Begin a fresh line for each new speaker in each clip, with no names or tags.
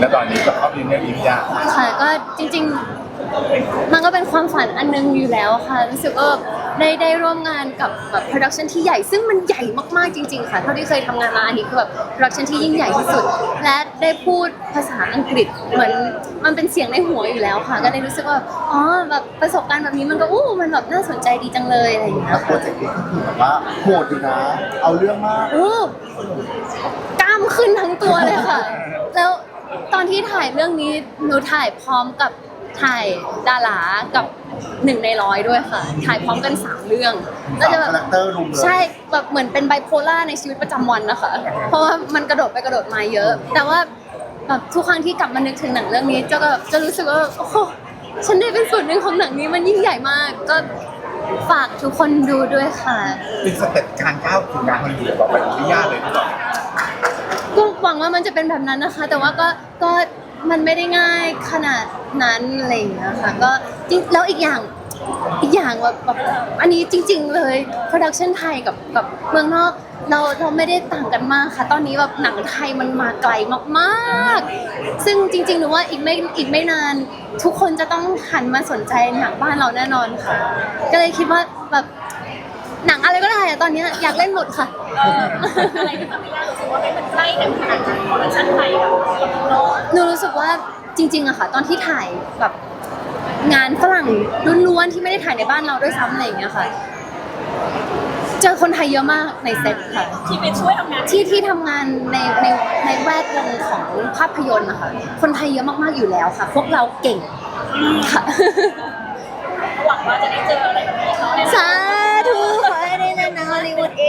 แล้วตอนนี้กับเขาเป็นเรื่องยาก
ค่ะก็จริงๆมันก็เป็นความฝันอันนึงอยู่แล้วค่ะรู้สึกว่าได้ร่วมงานกับแบบโปรดักชันที่ใหญ่ซึ่งมันใหญ่มากๆจริงๆค่ะเท่าที่เคยทำงานมาอันนี้คือแบบโปรดักชันที่ยิ่งใหญ่ที่สุดและได้พูดภาษาอังกฤษเหมือนมันเป็นเสียงในหัวอยู่แล้วค่ะก็เลยรู้สึกว่าอ๋อแบบประสบการณ์แบบนี้มันก็มันแบบน่าสนใจดีจังเลยอะไรอย่างเงี้ย
แล้วโปรเจกต์นี้ก็คือแบบว่าโหดอยู่นะเอาเรื่องมาก
กล้ามขึ้นทั้งตัวเลยค่ะ แล้วตอนที่ถ่ายเรื่องนี้หนูถ่ายพร้อมกับถ่ายดารากับ1 ใน 100ด้วยค่ะ ถ่ายพร้อมกัน3เรื่องก็จะแบบ
คาแรคเตอร์รุมเลย
ใช่แบบเหมือนเป็นไบโพล่าในชีวิตประจำวันนะคะ เพราะว่ามันกระโดดไปกระโดดมาเยอะ แต่ว่าแบบทุกครั้งที่กลับมานึกถึงหนังเรื่องนี้จะรู้สึกว่าโอ้โหฉันได้เป็นส่วนหนึ่งของหนังนี้มันยิ่งใหญ่มาก ก็ฝากทุกคนดูด้วยค่ะ
เป็นสเต็ปการก้าวถึงงานฮอลลีวูดต่อไปที่ยากเลยที่ต่อ
ก็หวังว่ามันจะเป็นแบบนั้นนะคะ แต่ว่าก็มันไม่ได้ง่ายขนาดนั้นอะไรอย่างเงี้ยค่ะก็จริงแล้วอีกอย่างแบบอันนี้จริง ๆ เลยโปรดักชันไทยกับเมืองนอกเราไม่ได้ต่างกันมากค่ะ ตอนนี้แบบหนังไทยมันมาไกลมากๆซึ่งจริงๆหนูว่าอีกไม่นานทุกคนจะต้องหันมาสนใจหนังบ้านเราแน่นอนค่ะ ก็เลยคิดว่าแบบหนังอะไรก็ได้อะตอนนี้อยากเล่นหมดค่ะ
อะไรที่ทำให้ย่ารู้สึกว่ามันใกล้กันขนาดนั้นโปรดักชั่นไทยกับโน้ต
หนูรู้สึกว่าจริงๆอะค่ะตอนที่ถ่ายแบบงานฝรั่งล้วนๆที่ไม่ได้ถ่ายในบ้านเราด้วยซ้ำอะไรอย่างเงี้ยค่ะเจอคนไทยเยอะมากในเซตค่ะ
ที่ไปช่วยทำงาน
ที่ทำงานในแวดวงของภาพยนตร์นะคะคนไทยเยอะมากๆอยู่แล้วค่ะ พวกเราเก่งค่ะ
หวังว่าจะได้เจออะไรแบบนี้เขาใน
สาธุขอให้ได้เล่นหนังฮอลลีวูดเอง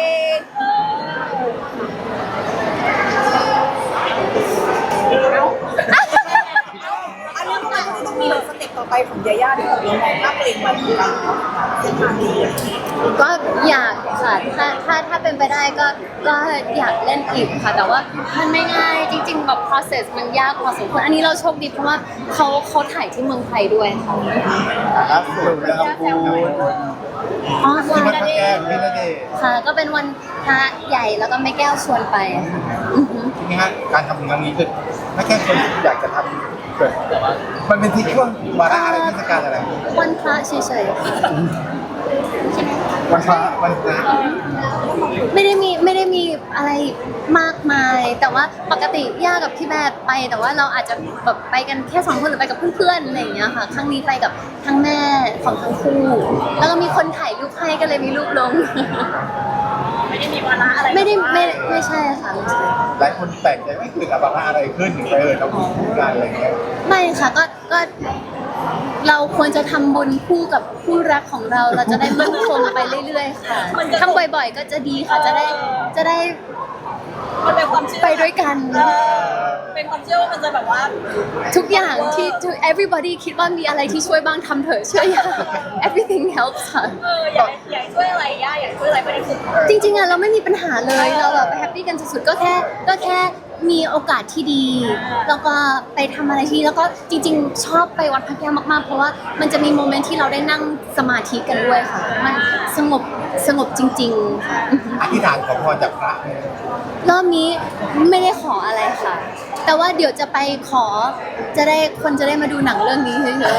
อันนี้มันก็ต้องมีสเต็ปต่อไปของยาย่าด้วยเรามองภาพตัวเองไว้เหมือนกันเนาะเส้นทางนี้
ก็อยากค่ะถ้าเป็นไปได้ก็อยากเล่นอีกค่ะ แต่ว่ามันไม่ง่ายจริงๆแบบ process มันยากพอสมควรอันนี้เราโชคดีเพราะว่าเขาถ่ายที่เมืองไทยด้วยค่ะ
ล่าสุดนะครับคุณ
อ๋อ
ที่
ค่ะ
มันพระแก้วพี่ณเดชน์
ค่ะ ก็เป็นวันพระใหญ่แล้วก็แม่แก้วชวนไปค่ะอือหือ
ทีนี้ฮะการทำงานนี้คือไม่แค่คนอยากจะทำเกิดมันเป็นที่ช่วงวาระอะไรเทศกาลอะไร
วันพระเฉยๆค่ะ
วันพระวันพระ
ไม่ได้มีอะไรมากมาย แต่ว่าปกติย่ากับพี่แบบไป แต่ว่าเราอาจจะแบบไปกันแค่2 คนหรือไปกับเพื่อนๆอะไรอย่างเงี้ยค่ะครั้งนี้ไปกับทั้งแม่ของทั้งคู่ แล้วก็มีคนถ่ายรูปให้ก็เลยมีรูปลง
ไม่ได้มีวาระอะไร
ไม่ใช่ค่ะไม่ใช่
หลายคนแปลกใจไม่เกิดอะไรขึ้นถึงไปเราพูดกันอะไรอย่างเงี้ย
ไม่ค่ะก็เราควรจะทำบุญคู่กับคู่รักของเราเราจะได้มั่นคงไปเรื่อยๆค่ะทำบ่อยๆก็จะดีค่ะจะได้
มันเป็นความเชื่อ
ไปด้วยกัน
เป็นความเชื่อว่ามันจะแบบว่า
ทุกอย่างที่ everybody คิดว่ามีอะไรที่ช่วยบ้างทำเถอะเชื่อย่า everything helps ค่ะ
อยากช่วยอะไรย่าอยากช่วยอะไรไม่ได้คือ
จริงๆอะเราไม่มีปัญหาเลยเราแบบแฮปปี้กันสุดๆก็แค่มีโอกาสที่ดี แล้วก็ไปทำอะไรที่แล้วก็จริงๆ ชอบไปวัดพระแก้วมากๆ เพราะว่ามันจะมีโมเมนต์ที่เราได้นั่งสมาธิกันด้วยค่ะ มันสงบจริงๆค่ะ
อธิษฐานขอพรจากพระเนี่ย
รอบนี้ไม่ได้ขออะไรค่ะ แต่ว่าเดี๋ยวจะไปขอคนจะได้มาดูหนังเรื่องนี้เยอะ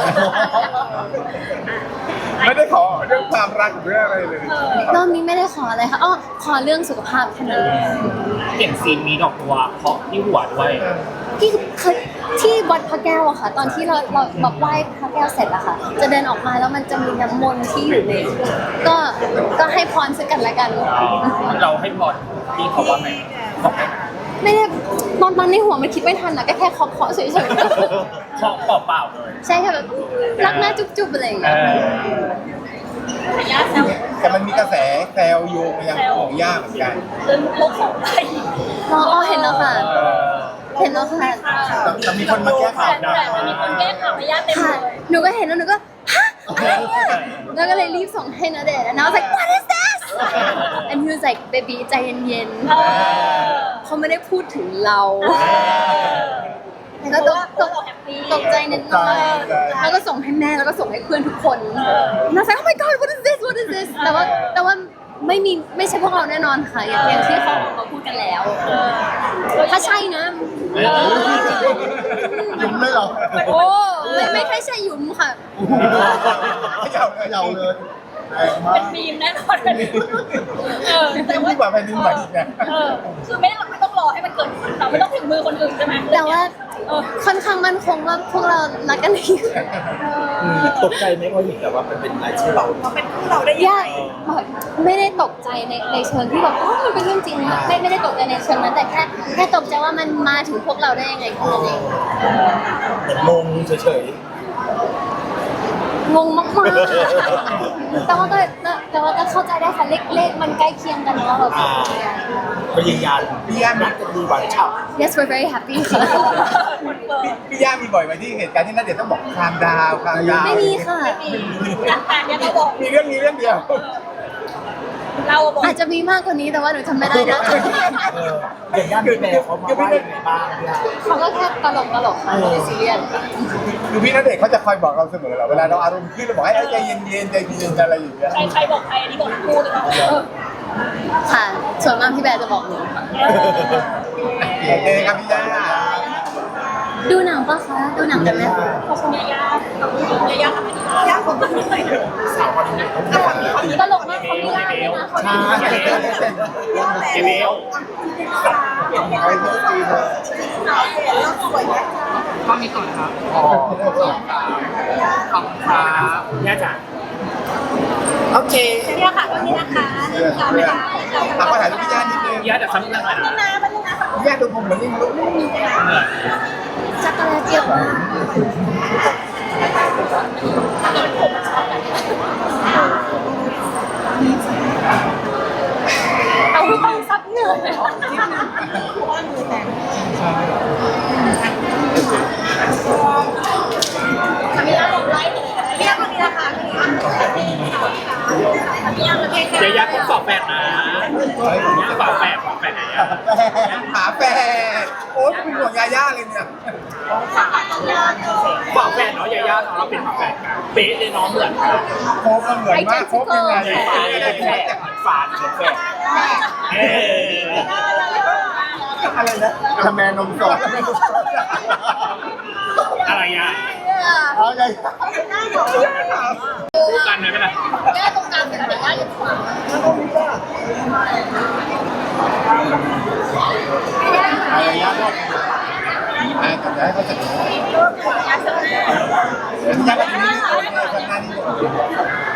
ไม่ได้ขอเรื่องความรักหรืออะไรเลย
ๆรอบนี้ไม่ได้ขออะไรค่ะอ้อขอเรื่องสุขภาพเท่านั้น
เห็นซีนมีดอกบัวเคาะที่หัวด้วย
ที่เคยที่วัดพระแก้วอะค่ะ ตอนที่เราแบบไหว้พระแก้วเสร็จอะค่ะ จะเดินออกมาแล้วมันจะมีน้ำมนต์ที่อยู่ในก็ให้พรซึ่งกันและกัน
เราให้พรพี่เขาว่าไงบอกได้ไหม
ไม่ได้ตอนในหัวมันคิดไม่ทันอะก็แค่เคาะเฉย
เคาะเปล่าๆเลย
ๆใช่ค่ะแบบรักหน้าจุ๊บๆอะไรอย่าง
เอ
เงี้ย
ย่าแซว
แต่มันมีกระแสแซวโยงไปยังของย่าเหมือนกัน
เดินโลกของไทย
อ๋อเห็นแล้วค่ะ เห็นแล้วค่ะ
แต่มีคนมาแก้ข่าว
แต่มันมีคนแก้ข่าวให้ย่าเต็ม
ค่ะ
เลย
หนูก็เห็นแล้วหนูก็ฮะอะไรเนี่ยแล้วก็เลยรีบส่งให้ณเดชน์ and I was like what is this and he was like baby ใจเย็นๆเขาไม่ได้พูดถึงเราแล้วก็ตกใจนิดหน่อยแล้วก็ส่งให้แม่แล้วก็ส่งให้เพื่อนทุกคนน่าใส่ oh my god what is this แต่ว่าไม่ใช่พวกเราแน่นอนค่ะอย่างที่เขาออกมาพูดกันแล้วถ้าใช่นะ
เลยเหรอ
โอ้ไม่ใช่ใช่หยุมค่ะ
ไม่เยาเลยแรงมา
เป็
ก
นมีมแน่นอนแต่ว่า
ยิ่งกว่าแผ่นดินไหวอีกนะ
คือไม่ต้องรอให้มันเกิดขึ้นเราไม่ต้องถึงมือคนอื่นใช่ไหม
แต่ว่าค่อนข้างมั่นคงว่าพวกเรารักกันดี
ตกใจไหมพอเห็นแต่ว่ามันเป็นรายชื่อเรา
มาเป็นคู่เราได้ยัง
ย่า
ไง
ไม่ได้ตกใจในเชิงที่แบบอ๋อมันเป็นเรื่องจริงนะไม่ได้ตกใจในเชิงนั้นแต่แค่ตกใจว่ามันมาถึงพวกเราได้ยังไงแค่นั้นเอง
แต่งงเฉย
งงมากๆแต่ว่าก็เข้าใจได้ค่ะเลขมันใกล้เคียงกันเนาะแบบ
ๆก็ยืนยัน
พี่ย่า
นัดกันดีหวานฉ่
yes we're very happy ค่ะ
พี่ย่ามีบ่อยไหมที่เหตุการณ์ที่นัดเดชน์ต้องบอกคามดาวคามดาว
ไม่มีค่ะ
แต่เนี่ยเราบอก
มีเรื่องนี้เรื่องเดียว
เราบอก
อาจจะมีมากกว่านี้แต่ว่าหนูจำไม่ได้นะ
ำอย่างย่านพี่แม่เขามาว่ายังไงบ้างพี่ย่า
เขาก็แค่ตลกค่ะไม่ได้ซีเรียส
คือพี่นัดเดชน์เขาจะคอยบอกเราเสมอเหรอเวลาเราอารมณ์ขึ้นเราบอกให้ใจเย็นๆใจเย็นๆอะไรอย่างเงี้ย
ใครบอกใครอันนี้บอกคู่เลยนะ
ค่ะ ส่วนมากพี่แบร์จะบอกหนูค่ะ
โอเคครับพี่ย่า
ดูหนังปะคะ ดูหนังกันไหม
ขอบคุณยาขอบคุณยาทำให้ยาผมไม่ได้
ตลกมากเขาไม่ได้เลยนะเขาไม่ได้
เอเวล
ไปทุกทีเลย
ข้อนี้ก่อนครับ
อ๋อ
ขอบคุณครับย่าจ๋าโอเค
เนี่ยค่ะก็นี่นะคะ
เอาไปถ่ายรูปพี่ย่านิดนึง
ย่าจะทำยังไง
นี่นะมันนี่นะ
พี่ย่าดูผมเหมือนนิ่งลุก
จักรแลเจียวมาก
เอาซับเหนื่อยเลยทำยาบอกไล่เลยพี่ยาคนนี้นะคะพี่ยาประเทศ
เดี๋ยวย่าต้องสอบแฟนนะย่าสอบแฟนไหนอ่ะ
หาแฟนโอ๊ยเป็นห่วงยาย่าเลยเนี่ย
สอบแฟนเนาะย่าเนาะเราเป็นฝาแฝดกันเป๊ะเลยน้องเหมือนกัน
โคบมันเหมือนมากโคบยังไง
ฝาเหมือนแฝดเออ
อะไรนะกระแมนมสด
อะไรอ่ะ
เอาไง
คู่กันเลยไหมล่ะ
ย่าตรงกลางเป็นแต่ย่าอยู่ขวา
อะไรย่าก็ทำได้ก็จะย่าก็มีนี่ทำหน้าที่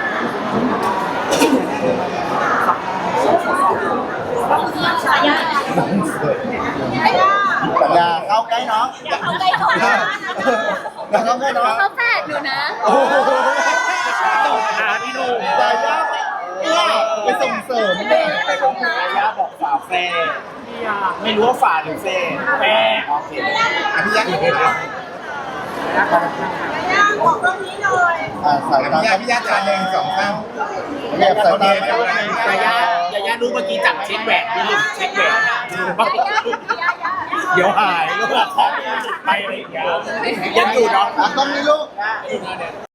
ปัญญาเข้าใกล้น้อง
เอาใกล้ถอด
อย่าเข้าใกล้น้อง
เขาแฝดหนูนะ
โอ้โห
พี่หนุ่ม
ยาย่าไปส่งเสริมแม่
ย่าบอกฝาแฝดไม่รู้ว่าฝาหรือแฝดแฝดโอเค
อภิญญาอีกแล้ว
บอกเรื่องนี้หน่อย
สายตาอภิญญาจานหนึ่งสองสามแบบสายตา
ย่ารู้เมื่อกี้จับเช็คแหวนพี่ลืมเช็คแหวนเดี๋ยวหายแล้วแบบของไปอะไรอย่างเงี้ยยังอยู่เนาะ
ต้องมีลูก